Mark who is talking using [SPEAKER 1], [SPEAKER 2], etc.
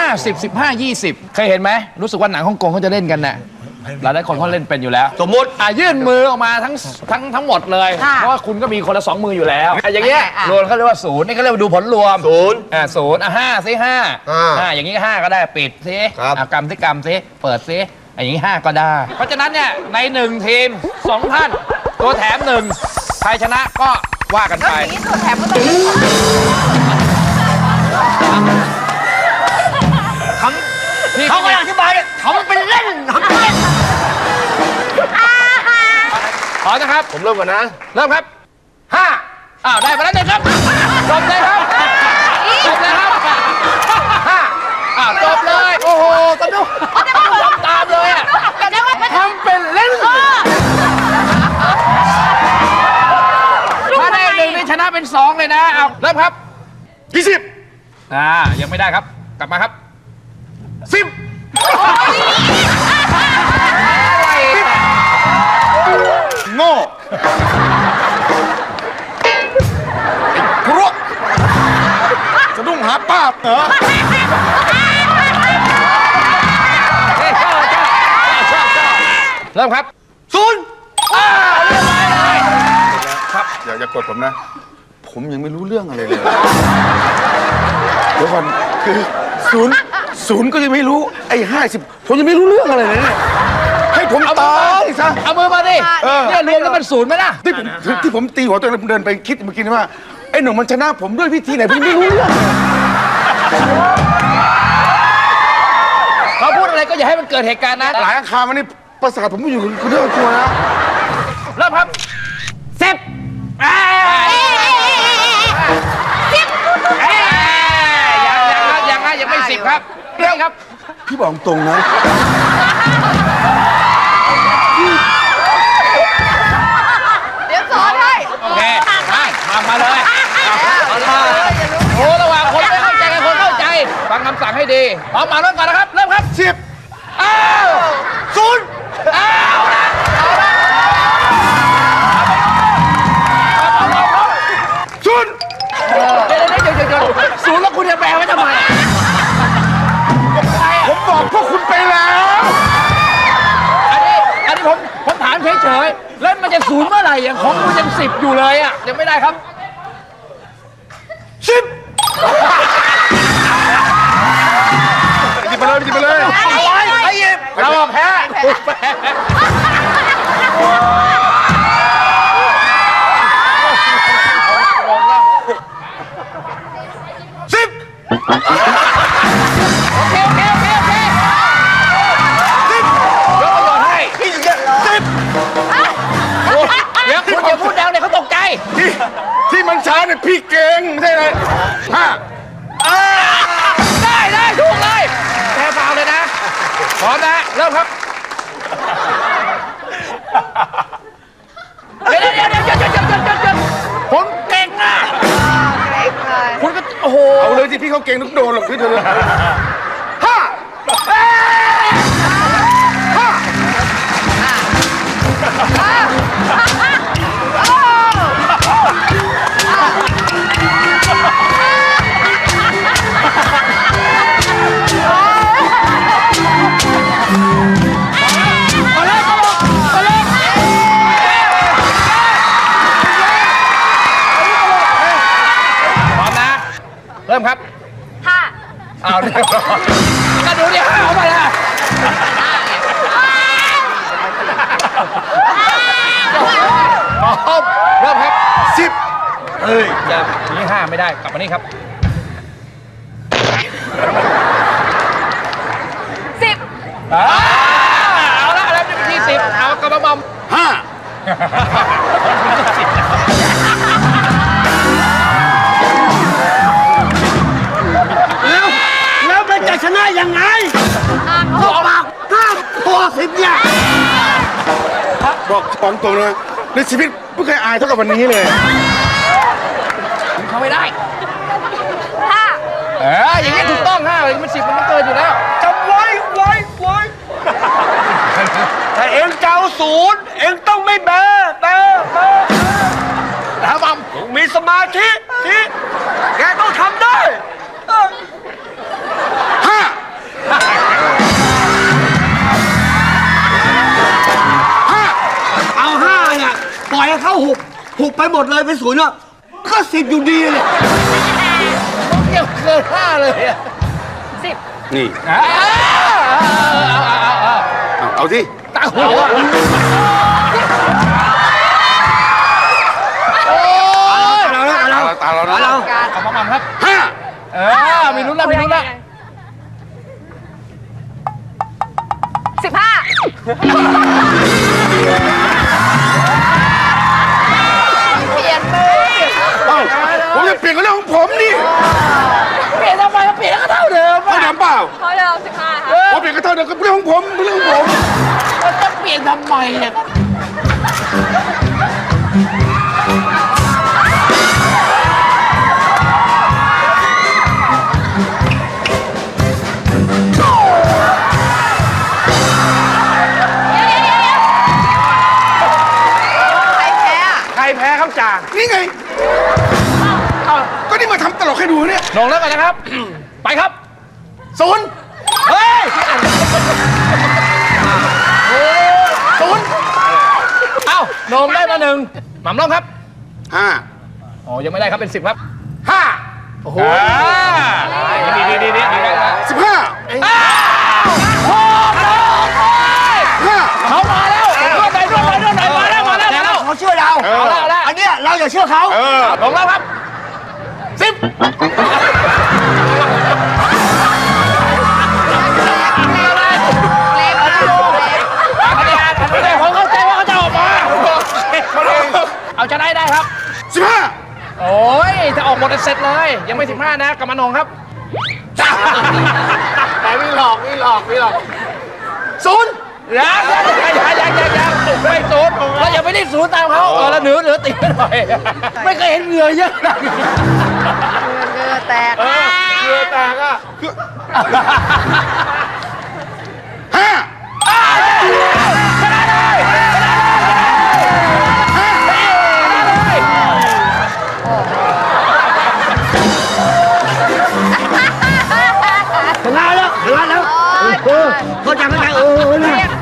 [SPEAKER 1] 50 15 20เคยเห็นไหมรู้สึกว่าหนังฮ่องกงเขาจะเล่นกันน่ะหลายคนเขาเล่นเป็นอยู่แล้ว
[SPEAKER 2] สมมติ
[SPEAKER 1] ยื่นมือออกมาทั้งหมดเลยเพราะว่าคุณก็มีคนละ2 มืออยู่แล้วอย่างเงี้ยรวมเขาเรียกว่าศูนย์นี่เขาเรียกว่าดูผลรวมศูนย์5สิ5อย่างงี้5ก็ได้ปิดสิกำสิเปิดสิอย่างนี้5ก็ได้เพราะฉะนั้นเนี่ยใน1ทีม2 ท่านตัวแถม1ใครชนะก็ว่ากันไป
[SPEAKER 3] อย่างนี้ตัวแถมก็ต้อง
[SPEAKER 2] เขากำลังอธิบายเขาเป็นเล่น
[SPEAKER 1] พร้อมนะครับ
[SPEAKER 2] ผมเริ่มก่อนนะ
[SPEAKER 1] เริ่มครับ5ได้มาแล้ว1ครับจบเลยครับจบเลยครับ5จบเลยโอ้โหสนุกตามเลยอ่ะทำเป็นเล่นถ้าได้1นี่ชนะเป็น2เลยนะเอาเริ่มครับ
[SPEAKER 2] 20
[SPEAKER 1] ยังไม่ได้ครับกลับมาครับ
[SPEAKER 2] 10โง่กลัวสะดุ้งหาป้าเหรอ
[SPEAKER 1] เริ่มครับ
[SPEAKER 2] 0
[SPEAKER 1] เรียบร้อยเลย
[SPEAKER 2] ครับอย่ากดผมนะผมยังไม่รู้เรื่องอะไรเลยเดี๋ยวก่อนคือ0ก็ยังไม่รู้ไอ้50ผมยังไม่รู้เรื่องอะไรเลยให้ผมตายซะ
[SPEAKER 1] เอามือมาดิเนี่ยรวมแล้วมัน0ไหมล่ะ
[SPEAKER 2] ที่ผมตีหัวตัวเองเดินไปคิดเมื่อกี้ว่าไอ้หนุ่มมันชนะผมด้วยวิธีไหนผมไม่รู้เรื่อง
[SPEAKER 1] เขาพูดอะไรก็อย่าให้มันเกิดเหตุการณ์นะ
[SPEAKER 2] หลายอังคารมันนี่ประสาทผมไม่อยู่คุณเรื่องตัวนะ
[SPEAKER 1] เริ่มครับ10ยังไม่10ครับเรื่องครับ
[SPEAKER 2] พี่บอกตรงนะ
[SPEAKER 3] เดี๋ยวสอนให้
[SPEAKER 1] โอเคมาเลยโอ้ระหว่างคนไม่เข้าใจกับคนเข้าใจฟังคำสั่งให้ดีพร้อมมาเริ่มก่อนนะครับเริ่มครับ
[SPEAKER 2] 10 0
[SPEAKER 1] ศูนย์แล้วคุณจะแปลไว้ทำไม
[SPEAKER 2] ผมบอกพวกคุณไปแล้ว
[SPEAKER 1] อันนี้ผมถามเฉยๆแล้วมันจะ0เมื่อไหร่อย่างของคุณยัง10อยู่เลยอ่ะยังไม่ได้ครับ
[SPEAKER 2] 10หยิบไปเลย
[SPEAKER 1] เราแพ้โอเคยกประโยชน์ให้เดี๋ยวคุณอย่าพูดดังเดี๋ยวเขาตกใจ
[SPEAKER 2] ที่มันช้าเนี่ยพี่เก่งไม่ใช่เลย
[SPEAKER 1] ได้ถูกเลยแพ้ฟาวเลยนะพร้อมนะเริ่มครับเดี๋ยวผมเก่งนะคุณก็โอ้โห
[SPEAKER 2] เอาเลยที่พี่เขาเก่งทุกโดนหรอกพี่เธอเลย
[SPEAKER 1] เริ่มครับเอาเรียบร้อยก็ดูดิเอาไปละเริ่มครับ
[SPEAKER 2] 10
[SPEAKER 1] จะนี่5ไม่ได้กลับมานี่ครับ
[SPEAKER 3] 10
[SPEAKER 1] เอาละแล้วที่10เอากระบอม
[SPEAKER 2] แล้วมันจะชนะยังไงบอกพอ10เนี่ยบอกของตรงเลยในชีวิตไม่เคยอายเท่ากับวันนี้เลย
[SPEAKER 1] เขาไม่ได้อย่างนี้ถูกต้อง5เลยมัน10มันไม่เกินอยู่แล้ว
[SPEAKER 2] จำไว้ถ้าเอ็งเจ้า0เอ็งต้องไม่แบแล้วบังมีสมาธิแกต้องทำได้5
[SPEAKER 4] ไปหมดเลยเป็นศูนย์อะก็10อยู่ดีเลย
[SPEAKER 1] เกี่ยวเกิน5เลยอะ
[SPEAKER 3] 10
[SPEAKER 2] นี่
[SPEAKER 1] เอา
[SPEAKER 2] เอาที่
[SPEAKER 1] ตาหัวโอ้ย
[SPEAKER 4] เราแล้วเรา
[SPEAKER 2] ตาเรานะ
[SPEAKER 4] เรา
[SPEAKER 3] การ
[SPEAKER 1] เอามาบังครับ
[SPEAKER 2] 5
[SPEAKER 1] มีลุ้นแล้วมีลุ้นแล้ว
[SPEAKER 3] เปลี่ยนเลย
[SPEAKER 2] เอ้าผมจะเปลี่ยนกับเรื่องของผมนี่
[SPEAKER 1] เปลี่ยนทำไมเปลี่ยนก็เท่าเดิม
[SPEAKER 2] ไม่
[SPEAKER 1] อะ
[SPEAKER 2] ถามเปล่า
[SPEAKER 3] เขาเดิม15 ค่ะ
[SPEAKER 2] ผมเปลี่ยนก็เท่าเดิมกับเรื่องของผมเรื่องของผม
[SPEAKER 1] มันจะเปลี่ยนทำไมเนี่ย
[SPEAKER 3] ใครแพ้อะ
[SPEAKER 1] ใครแพ้ครับจ่า
[SPEAKER 2] นี่ไงก็นี่มาทำตลกให้ดูเนี่ย
[SPEAKER 1] ลงแล้วกันนะครับ ไปครับ
[SPEAKER 2] ศูนย์
[SPEAKER 1] เฮ้ย
[SPEAKER 2] ศูนย์
[SPEAKER 1] เอ้าโหนมได้มา1หม่ำลงครับ
[SPEAKER 2] 5
[SPEAKER 1] อ๋อยังไม่ได้ครับเป็น10ครับ
[SPEAKER 2] 5
[SPEAKER 1] โอ้โหดีได้แล้ว
[SPEAKER 2] 15
[SPEAKER 1] อ้าวโอ้โห
[SPEAKER 2] 5
[SPEAKER 1] เขามาแล้วนวดหน่อยมาแล้ว
[SPEAKER 4] แต่ว่าเขาเชื่อเรา
[SPEAKER 1] เอาละ
[SPEAKER 4] อันเนี้ยเราอย่าเชื่อเขา
[SPEAKER 1] ลงแล้วครับ10
[SPEAKER 3] เล็กมากเล็ก
[SPEAKER 1] ผมเข้าใจว่าเขาจะออกมาเอาจะได้ครับ
[SPEAKER 2] 15
[SPEAKER 1] โอ้ยถ้าออกหมดเสร็จเลย ยังไม่15นะกำมะนงครับ
[SPEAKER 2] แต่ไม่หลอกศูนย์
[SPEAKER 1] ยังไม่ศูนย์เราอย่าไปรีบศูนย์ตามเขาแล้วเหนือติดไปหน่อยไม่เคยเห็นเหงื่อเยอะขนาดนี้
[SPEAKER 3] เงือแตก
[SPEAKER 1] เหงื่อแตกอ่ะ
[SPEAKER 2] 5
[SPEAKER 4] ชนะแล้วเข้าใจนะ
[SPEAKER 3] เรียก